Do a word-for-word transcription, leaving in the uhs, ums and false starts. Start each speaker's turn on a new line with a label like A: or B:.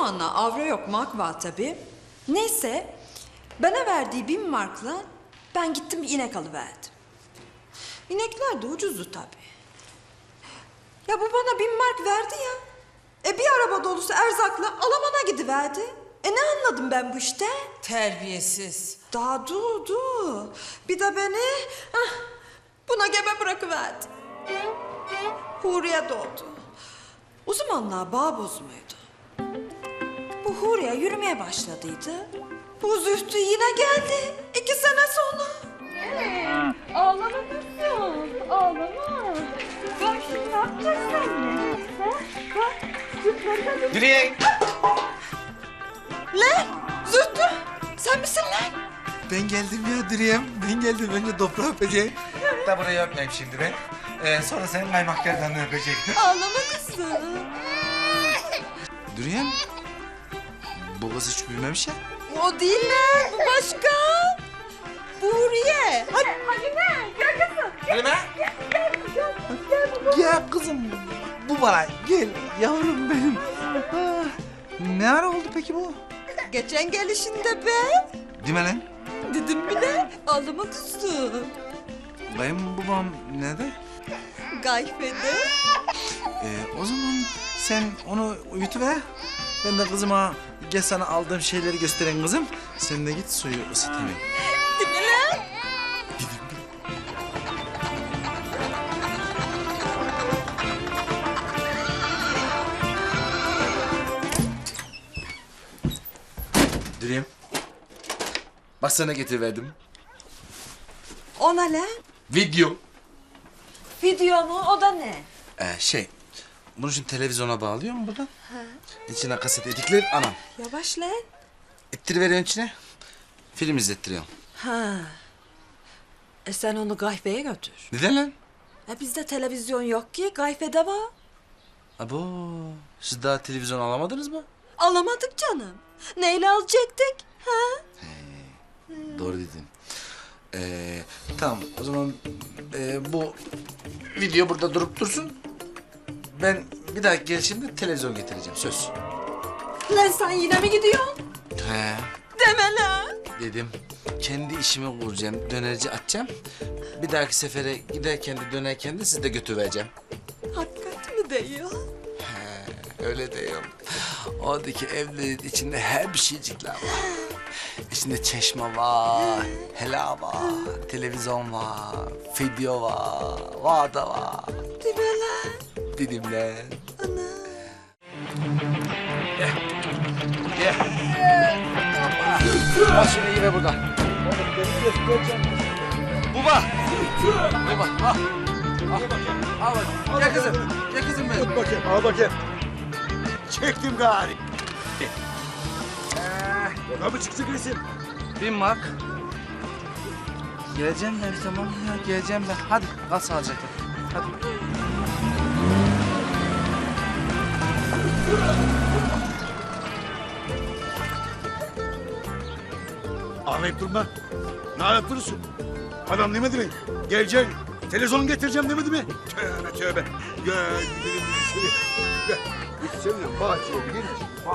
A: zamanlar avro yok, mark var tabii. Neyse, bana verdiği bin markla ben gittim bir inek alıverdim. İnekler de ucuzdu tabii. Ya bu bana bin mark verdi ya. E bir araba dolusu erzakla Alman'a gidiverdi. E ne anladım ben bu işte?
B: Terbiyesiz.
A: Daha dur dur. Bir de beni hah, buna gebe bırakıverdi. Huriye doğdu. O zamanlar bağ bozmuydu. Bu Huriye yürümeye başladıydı. Bu Zühtü yine geldi. İki sene sonra.
C: Ağlama kızım, ağlama. Bak şimdi ne yapacağız seninle? Ha? Bak, sütleri de...
D: Direkt.
A: Lan Zühtü sen misin lan?
D: Ben geldim ya Diriyem. Ben geldim. Önce toprağı öpeceğim. Da burayı öpmeyeyim şimdi ben. Ee, sonra senin kaymak gerdanını öpecektim.
A: Ağlama kızım.
D: Diriyem. Bu kız hiç büyümemiş ya.
A: O değil lan bu başka. Bu Huriye. Hadi.
C: Halime, gel kızım.
D: Halime. Ya kızım bu bana gel yavrum benim. Ah, ne ara oldu peki bu?
A: Geçen gelişinde be.
D: Değil mi lan?
A: Dedim bile ağlama kızım.
D: Kayınbabam nerede?
A: Gayfede.
D: Ee, o zaman sen onu uyutuver. Ben de kızıma gel sana aldığım şeyleri gösteren kızım. Sen de git suyu ısıt hemen.
A: Değil mi lan?
D: Diriyem. Bak sana getiriverdim.
A: Ona lan?
D: Video.
A: Video mu? O da ne?
D: Ee, şey, bunu şimdi televizyona bağlıyor mu buradan? Ha. İçine kaset edikler, anam.
A: Yavaş lan.
D: İttiriveriyorsun içine, film izlettiriyorsun.
A: Ha. E sen onu Gayfe'ye götür.
D: Neden lan?
A: E bizde televizyon yok ki. Gayfe'de var.
D: Abo, siz daha televizyon alamadınız mı?
A: Alamadık canım. Neyle alacaktık? Ha?
D: Doğru dedin. Ee, tamam, o zaman e, bu video burada durup dursun. Ben bir dahaki gelişimde televizyon getireceğim, söz.
A: Lan sen yine mi gidiyorsun?
D: He.
A: Deme lan.
D: Dedim. Kendi işimi kuracağım, dönerci açacağım. Bir dahaki sefere giderken de dönerken de sizi de götüreceğim.
A: Hakikat mi diyor?
D: Öyle diyorum. Oradaki evlerin içinde her bir şeycikler var. İçinde çeşme var, helal var, televizyon var, video var, var da var.
A: Değil mi lan?
D: Benimle.
A: Ana.
D: Gel. Al şunu iyi ver buradan. Baba. Baba. Al. Al. Al bak. Gel kızım. Gel kızım benim.
E: Tut bakayım, al bakayım. Çektim gari. Yola mı çıktı resim?
D: Bin mark. Geleceğim ben tamam ya geleceğim ben. Hadi kal sağlıcakla. Hadi.
E: Ağlayıp durma. Ne ağlayıp durursun? Adam demedi mi? Geleceksin, televizyon getireceğim demedi mi? Tövbe tövbe. Gel gidelim biz içeri. Gel. Biz seninle bahçeye gidelim.